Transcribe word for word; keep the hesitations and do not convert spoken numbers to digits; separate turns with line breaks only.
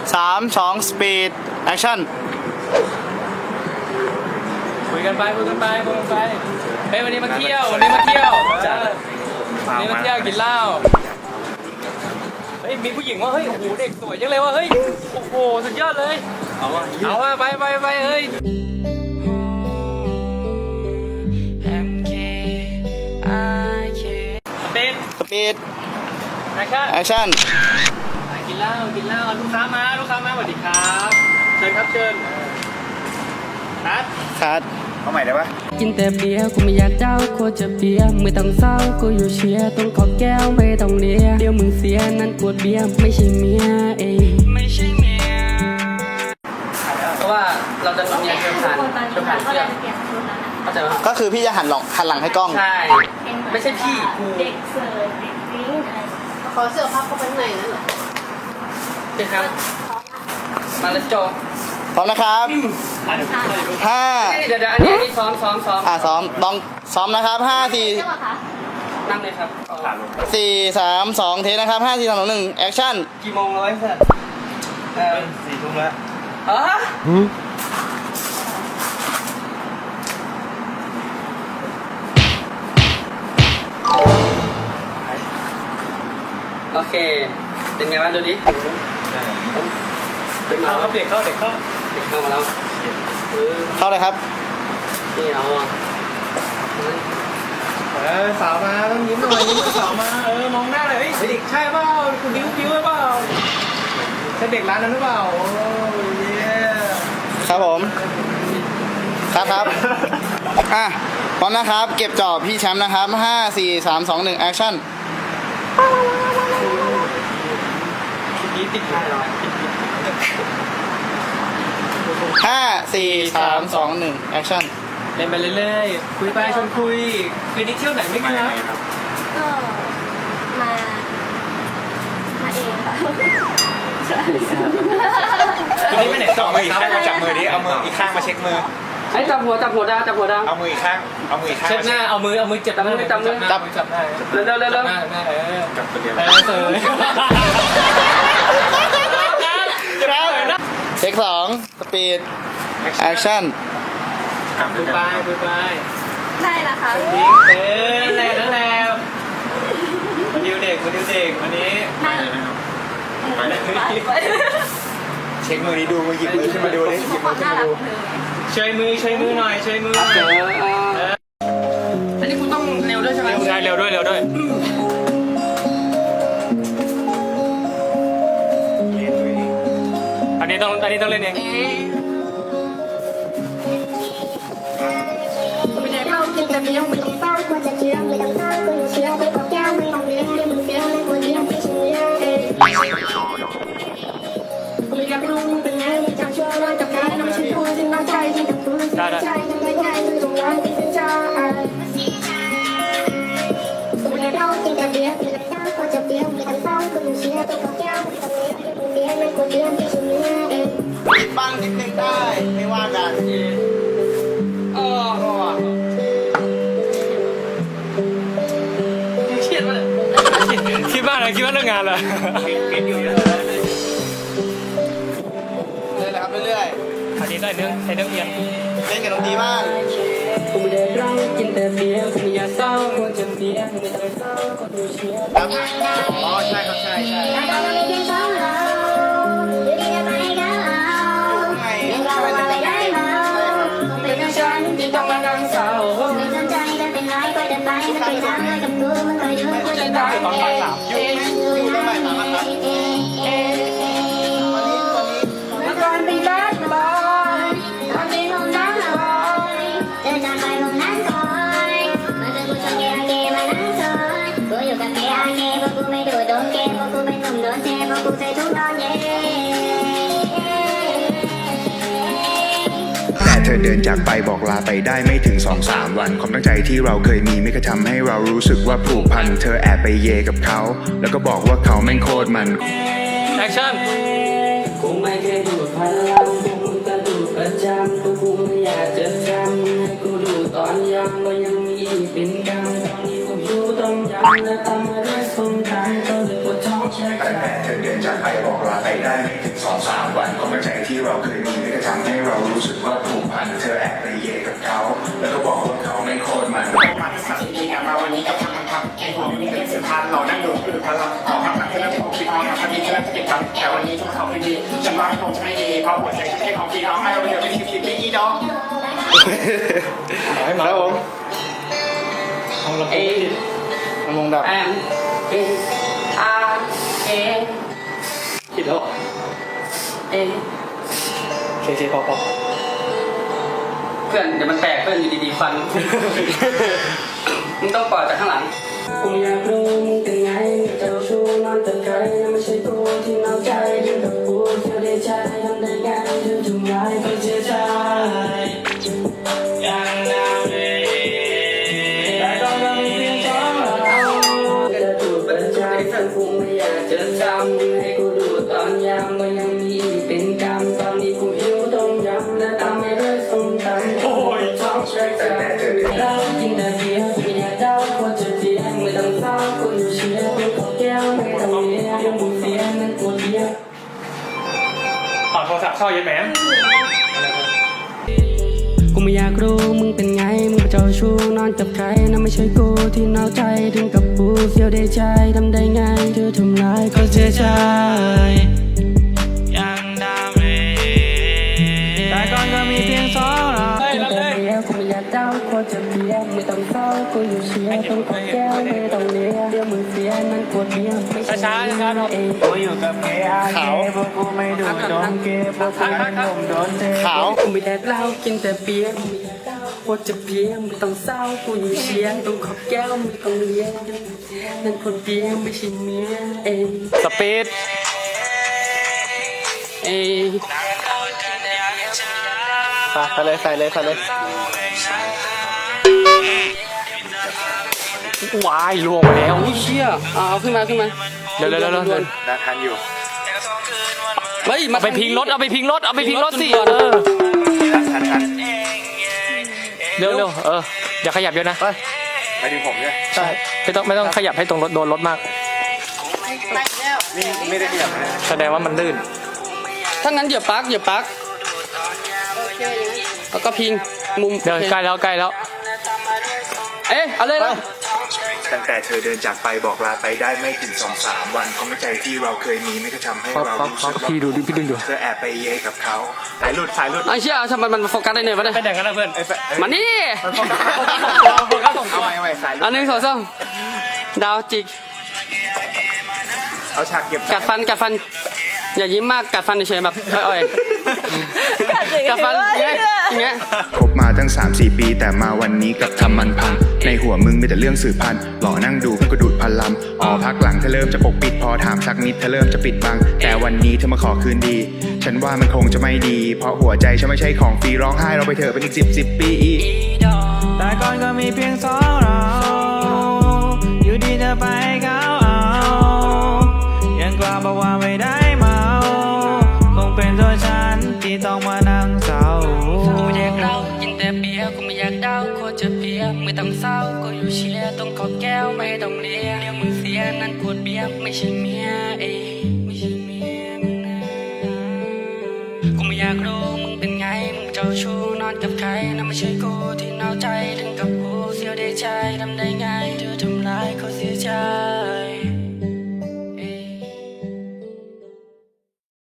สามสองสปีดแอคชั่น
คุยกันไปคุยกันไปคุยกันไปเฮ้ยวันนี้มาเที่ยววันนี้มาเที่ยววันนี้มาเที่ยวกินเหล้าเฮ้ยมีผู้หญิงว่าเฮ้ยโอ้โหเด็กสวยจังเลยว่าเฮ้ยโอ้โหสุดยอดเลยเอาว่าเอาว่าไปไปไปเฮ้ยสปีด
สปีด
แอคชั่น
แอคชั่น
กินเหล้ากินเหล้าลูกค้ามาลูกค้ามาสวัสดีครับเชิญครับเชิญคัด
คัด
เอาใหม่ได้ปะ
กินแต่เบียร์กูไม่อยากเจ้ากูจะเบียร์ไม่ต้องเศร้ากูอยู่เชียร์ต้องขอแก้วไม่ต้องเลียเดี๋ยวมึงเสียนั่นกวดเบียร์ไม่ใช่เมียเองไม่ใช่เมียเพราะว่าเราจะมีเชิญผ่านเชิญผ่านเพื่อนเข้าใจไหม
ก็คือพี่จะหันหลังหันหลังให้กล้อง
ใช่ไม่ใช่พี่
เด็กเสิร์ฟเด็กวิ่งอะไรขอเสื้อผ้าเข้าไปในนั่นเหรอ
ใช่ครับมาแล้วโจ
พร้อมนะครับห้า
เดี๋ยวเดี๋ยวอันนี้อันนี้ซ้อมซ้อมซ้อม
อ่าซ้อมลองซ้อมนะครับห้าสี่
นั่งเลยครับ
สี่สามสองเทนะครับห้าสี่สามสองหนึ่งแอคชั่น
กี่โมงแล้วเสร็จ
เออสี่ทุ่มแล้ว
อ๋อโอเคเป็นไงบ้างดูดิ
เด็กเข้าเด็กเข้าเด็กเข้า
เด็กเข้ามาแล้ว
เข้าเลยครับ
นี่เอา
เออสาวมาต้องยิ้มหน่อยยิ้มสาวมาเออมองหน้าเลยเฮ้ยเด็กใช่เปล่าคุณดิ้วดิ้วหรือเปล่าใช่เด็กร้านนั้นหรือเปล่าโอ้ย
ครับผมครับครับอ่ะพร้อมนะครับเก็บจอบพี่แชมป์นะครับห้าสี่สามสองหนึ่งแอคชั่น
นี่ติดง่ายหรอ
ห้าสี่สามสองหนึ่งแอคชั่น
เล่นไปเรื่อยๆคุยไปชวนคุยคืนนี้เที่ยวไหนไม่กันครับ
ก็มามาเองค่ะ
ใช่คืนนี้ไปไหนต่อ
มืออีกข้างมาจับมือดิเอามืออีกข้างมาเช็คมือ
ไอ้จับหัวจับหัวดาจับหัวดา
เอามืออีกข้างเอามืออีกข้าง
เช็ดหน้าเอามือเอามือจับมือจับมือจับจับหน้า
เร็วเร็วเร็วเร็ว
จับตัวเดียว
เออ
เช็คสองสปีดแอคชั่น
คุยไปคุยไป
ได้ละค่ะ
เออแรงแล้วแล้วมาดิวเด็กมาดิวเด็กวันนี้
ไปเลย
เช็คมือนี้ดูมือหยิบมือขึ้นมาดูดิหยิบมือขึ้นมาดู
ช่วยมือช่วยมือหน่อยช่วยมือ
อันนี้คุณต้องเร็วด้วยใช่ไหม
ใช่เร็วด้วยเร็วด้วยอันนี้ต้องอันนี้ต้องเล่นเอง
เรากินแต่เพียงไม่ต้องเศร้าควรจะเชื่อไม่ต้องเศร้าควรจะเชื่อไปกับแก้วไม่ต้องเลี้ยงเลี้ยงมึงเสียเลยควรเลี้ยงไม่เชื่อเองไม่อยากรู้มึงเป็นไงไม่จำชั่วร้ายกับใครน้องฉันพูดถึงน้องใจที่ถูกพูดใจทำได้ง่ายคือตรงร้ายที่เป็นใจไม่อยากเรากินแต่เพียงไม่ต้องเศร้าควรจะเพียงไม่ต้องเศร้าควรจะเชื่อไปกับแก้วไม่ต้องเลี้ยงมึงเลี้ยงไม่ควรเลี้ยงไม่เชื่อเอง
บ้างนิดนึงได้ไม่ว่ากัน
อ๋อเครียดมาก
คิดบ้างนะคิดว่าเรื่องงานเหรอ
เล่นเลยครับเรื่อย
ๆอันนี้ได้เรื่องใช้เรื่องเอียง
เล่นกับดนตรีบ้าง
กูไม่ได้ร้องกินแต่เบียร์กูไม่อยากเศร้ากูจะเบียร์ไม่ต้องเศร้าก็ดูเชียร์
ครับอ๋อใช่ครับใช่ใช่
ที่ต้องมานั่งเศร้าไม่สนใจเดินไปไหนก็เดินไปไม่ไปทางเลยกับกูมันก็อยู่กูจะตาย
ตอนบ่ายสามอยู่อยู่ตอนบ่ายสามครับ
เมื่อก่อนเป็นรักบอยตอนนี้ลงน้ำลอย
เดินจากไปลงน้ำคอยมาเจอกูชอบเกย์เกย์มานั่งซอยกูอยู่กับเกย์อาเกย์เพราะกูไม่ดูโดนเกย์เพราะกูเป็นหนุ่มโดนเทเพราะกูใส่ถุงนอนเย่
เธอเดินจากไปบอกลาไปได้ไม่ถึง สองสาม วันความตั้งใจที่เราเคยมีไม่เคยทำให้เรารู้สึกว่าผูกพันเธอแอบไปเยกับเขาแล้วก็บอกว่าเขาแม่งโคตรมัน
แอคชั่น
กูไม่เคยดูพลังกูจะดูประจำกูกูไม่อยากจะจำให้กูดูตอนยังก็ยังมีเป็นกรรมตอนนี้กูดูต้องย้ำและทำอะไรสมใจก็เลยปวดท้องแช่
ตั้งแต่เธอเดินจากไปบอกลาไปได้ไม่ถึงสองสามวันความตั้งใจที่เราเคยมีไม่ได้ทำให้เรารู้สึกว่าผูกพันเธอแอบไปเยกับเขาแล้วก็บอกว่าเขาไม่โคตรมัน
มาที่สามสิบปีกลับมาวันนี้กับทำทำทำแค่หัวมันนี่เป็นสุดท้ายเรานั่งดูคือพลังขอพักหลังเธอแล้วที่ผมคิดเอาทำดีเธอแล้วจะเก็บตังค์แต่วันนี้ทุกเขาไม่ดีฉันว่าคงจะไม่ดีเพราะหัวใจฉันแค่ของพี่น้องให้เราเดี๋ยวไปสิบสิบปีอีดอก
ครับผม
ของเรา
เอ
ลำวงดับ
แอมเออาร์เอ
คิดแล้ว
เอ
เคเคพอพอ
เพื่อนเดี๋ยวมันแตกเพื่อนอยู่ดีๆฟัน มึงต้องปล่อยจากข้างหลังกูอยากรู้มึงเป็นไงเจ้าชู้นอนแต่ไกลไม่ใช่ตัวที่นอกใจถึงกับกูเสียได้ใจทำได้ไงเธอทำร้ายก็เสียใจยังนาเวแต่ก็ยังมีเพียงสองเรากระดูกเป็นใจทั้งกูไม่อยากจะจำให้กูดูตอนยามก็ยังมีเป็นกรรมตอนนี้กูหิวต้องยำและทำให้เลิกสมตันโอ้ยท้องแช่ใจเรากินแต่เบียร์ไม่อยากเดาว่าจะเสียไม่ต้องเศร้ากูอยู่เชียร์เป็นของแก้วไม่ต้องเลี้ยงยังมึงเสียนั่นปวดเบียร์
ถอดโทรศัพท์เข้าเย็นแหม
กูไม่อยากรู้มึงเป็นไงมึงเป็นเจ้าชู้นอนกับใครนั่นไม่ใช่กูที่นอกใจถึงกับกูเสียวได้ใจทำได้ไงเธอทำร้ายก็เสียใจยังดำเลยแต่ก่อนก็มีเพียงสองเราแต่เดียวกูไม่อยากเดาว่าจะเบียไม่ต้องเศร้ากูอยู่เชียร์ต้องขอแก้วไม่ต้องเลี้ยงเดี๋ยวมึงเสียนั่นปวดเบียร์ไม่ใช่ช้าๆนะครับเอง
กูอยู่กับเกย์อาเกย์พวกกูไม่ดูโดนเกย์พวกกูไม่หนุ่มโดนเท
ขาว
กูไม่แดกเหล้ากินแต่เบียร์กูไม่อยากเดาว่าจะเบียร์ไม่ต้องเศร้ากูอยู่เชียร์ต้องขอแก้วไม่ต้องเลี้ยงนั่นคนเบียร์ไม่ใช่เมียเอง
สปีด
เอ้ย
ใส่เลยใส่เลยใส่เลย
วายล่วงไปแล้ว
โอ้ยเชี่ยเอาเอาขึ้นมาขึ้นมา
เร็วเร็วเร็วเร็ว
ด่วน
น่าทันอยู่
ๆเฮ้ยมา
เอาไปพิงรถเอาไปพิงรถเอาไปพิงรถสิ
ก่อน
เออ
ทันทัน
เร็วเร็วเอออย่าขยับเยอะนะ
ไปถึงผมเนี่ย
ใช่ไม่ต้องไม่ต้องขยับให้ตรงรถโดนรถมาก
นี่ไม่ได้ขยับนะ
แสดงว่ามันลื่น
ถ้างั้นอย่าปักอย่าปักแล้วก็พิงมุม
เดี๋ยวใกล้แล้วใกล้แล้ว
เอ๊ะเอาเลยนะ
ตั้งแต่เธอเดินจากไปบอกลาไปได้ไม่ถึงสองสามวันความตั้งใจที่เราเคยมีไม่ได้ทำให้เรารู้สึกว่า
พี่ดูดิพี่ดึงดู
เธอแอบไปเยกับเขาสายหลุดสายหลุด
ไอ้เชี่ยทำไมมันโฟกัสได้เนี่ยวะเนี่ย
เป็นอย่างนั้นนะเพื่อน
มานี่
เอาใหม่เอาใหม่สายหลุ
อั
ด
นหนึ่งสองสามดาวจิก
เอาฉากเก็บ
กัดฟันกัดฟัน อย่ายิ้มมากกัดฟันเฉยๆแบบอ่อยๆกัดฟันอย่างเงี้ยอย่างเงี้ย
คบมาตั้ง สามสี่ปีแต่มาวันนี้กลับทำมันพังในหัวมึงมีแต่เรื่องสืบพันธุ์หล่อนั่งดูก็ดูดพันลำอ๋อพักหลังเธอเริ่มจะปกปิดพอถามสักนิดเธอเริ่มจะปิดบังแต่วันนี้เธอมาขอคืนดี ฉันว่ามันคงจะไม่ดี เพราะหัวใจฉันไม่ใช่ของฟรีร้องไห้เราไปเถอะเป็นอีกสิบสิบปีอีก
แต่ก่อนก็มีเพียงสองเราอยู่ดีเธอไปเขาเอายังกล้าบอกว่าไม่ได้เมาคงเป็นตัวฉันที่ต้องมานั่งเศร้า
กูไม่อยากเล่ากินแต่เบียร์กูไม่อยากเดาโคตรจะเบียร์ไม่ต้องเศร้ากูอยู่เชียร์ต้องขอแก้วไม่ต้องเลี้ยงเดี๋ยวมึงเสียนั่นขวดเบียร์ไม่ใช่เมียเองไม่ใช่เมียมึงนะกูไม่อยากรู้มึงเป็นไงมึงเจ้าชู้นอนกับใครนั่นไม่ใช่กูที่นอกใจถึงกับกูเสียได้ใจทำได้ไงเธอทำร้ายเขาเสียใจ